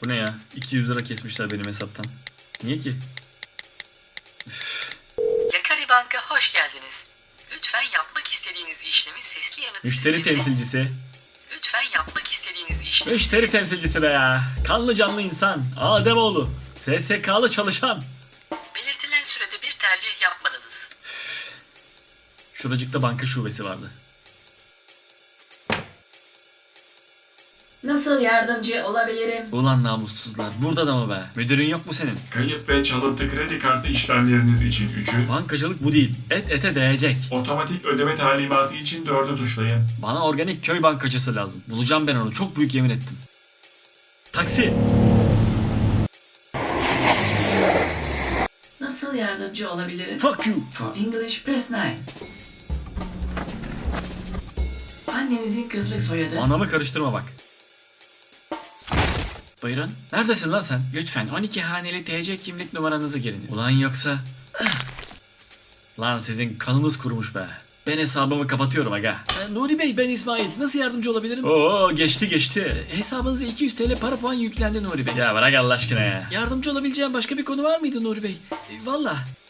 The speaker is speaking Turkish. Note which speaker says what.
Speaker 1: Bu ne ya? 200 lira kesmişler benim hesaptan. Niye ki?
Speaker 2: Yakari Bank'a hoş geldiniz. Lütfen yapmak istediğiniz işlemi sesli yanıt
Speaker 1: Müşteri
Speaker 2: sistemine-
Speaker 1: temsilcisi.
Speaker 2: Lütfen yapmak istediğiniz işlemi...
Speaker 1: Müşteri temsilcisi de ya. Kanlı canlı insan. Ademoğlu. SSK'lı çalışan.
Speaker 2: Belirtilen sürede bir tercih yapmadınız.
Speaker 1: Şuracıkta banka şubesi vardı.
Speaker 3: Nasıl yardımcı olabilirim?
Speaker 1: Ulan namussuzlar. Burada da mı be? Müdürün yok mu senin?
Speaker 4: Kayıp ve çalıntı kredi kartı işlemleriniz için 3'ü,
Speaker 1: Bankacılık bu değil. Et ete değecek.
Speaker 4: otomatik ödeme talimatı için 4'ü tuşlayın.
Speaker 1: Bana organik köy bankacısı lazım. Bulacağım ben onu. Çok büyük yemin ettim. Taksi.
Speaker 3: Nasıl yardımcı olabilirim?
Speaker 1: Fuck you.
Speaker 3: For English press 9. Annenizin kızlık soyadı.
Speaker 1: Anamı karıştırma bak.
Speaker 5: Buyurun.
Speaker 1: Neredesin lan sen?
Speaker 5: Lütfen 12 haneli TC kimlik numaranızı giriniz.
Speaker 1: Ulan yoksa... Lan sizin kanınız kurumuş be. Ben hesabımı kapatıyorum aga.
Speaker 5: Nuri Bey, ben İsmail. Nasıl yardımcı olabilirim?
Speaker 1: Oo geçti.
Speaker 5: Hesabınıza 200 TL para puan yüklendi Nuri Bey.
Speaker 1: Ya bırak Allah aşkına ya.
Speaker 5: Yardımcı olabileceğim başka bir konu var mıydı Nuri Bey? Valla.